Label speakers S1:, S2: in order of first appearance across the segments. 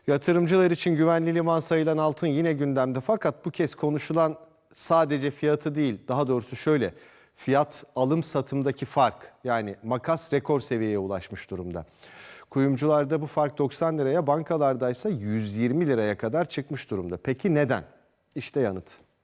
S1: Yatırımcılar için güvenli liman sayılan altın yine gündemde, fakat bu kez konuşulan sadece fiyatı değil, daha doğrusu şöyle, fiyat alım satımdaki fark, yani makas rekor seviyeye ulaşmış durumda. Kuyumcularda bu fark 90 liraya, bankalardaysa 120 liraya kadar çıkmış durumda. Peki neden? İşte yanıt.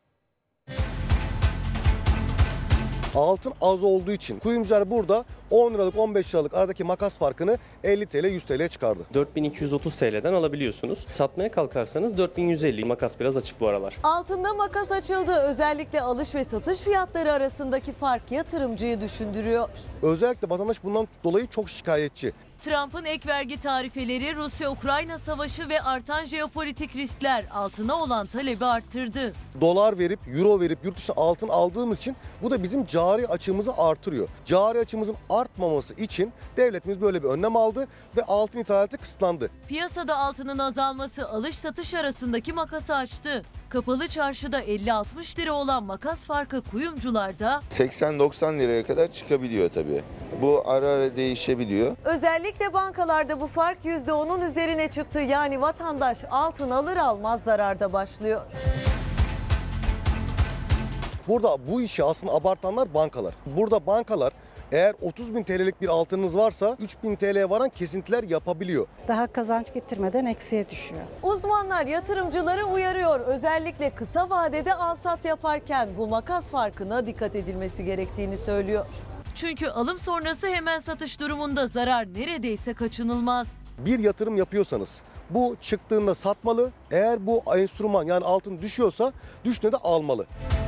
S2: Altın az olduğu için kuyumcular burada 10 liralık 15 liralık aradaki makas farkını 50 TL 100 TL'ye çıkardı.
S3: 4230 TL'den alabiliyorsunuz. Satmaya kalkarsanız 4150. Makas biraz açık bu aralar.
S4: Altında makas açıldı. Özellikle alış ve satış fiyatları arasındaki fark yatırımcıyı düşündürüyor.
S2: Özellikle vatandaş bundan dolayı çok şikayetçi.
S4: Trump'ın ek vergi tarifeleri, Rusya-Ukrayna savaşı ve artan jeopolitik riskler altına olan talebi arttırdı.
S2: Dolar verip, euro verip yurt dışına altın aldığımız için bu da bizim cari açığımızı artırıyor. Cari açığımızın artmaması için devletimiz böyle bir önlem aldı ve altın ithalatı kısıtlandı.
S4: Piyasada altının azalması alış satış arasındaki makası açtı. Kapalı çarşıda 50-60 lira olan makas farkı kuyumcularda
S5: 80-90 liraya kadar çıkabiliyor tabii. Bu ara ara değişebiliyor.
S4: özellikle bankalarda bu fark %10'un üzerine çıktı. Yani vatandaş altın alır almaz zararda başlıyor.
S2: Burada bu işi aslında abartanlar bankalar. Burada bankalar eğer 30.000 TL'lik bir altınınız varsa 3.000 TL'ye varan kesintiler yapabiliyor.
S6: Daha kazanç getirmeden eksiye düşüyor.
S4: Uzmanlar yatırımcıları uyarıyor. Özellikle kısa vadede al-sat yaparken bu makas farkına dikkat edilmesi gerektiğini söylüyor. Çünkü alım sonrası hemen satış durumunda zarar neredeyse kaçınılmaz.
S2: Bir yatırım yapıyorsanız bu çıktığında satmalı. Eğer bu enstrüman yani altın düşüyorsa düştüğünde de almalı.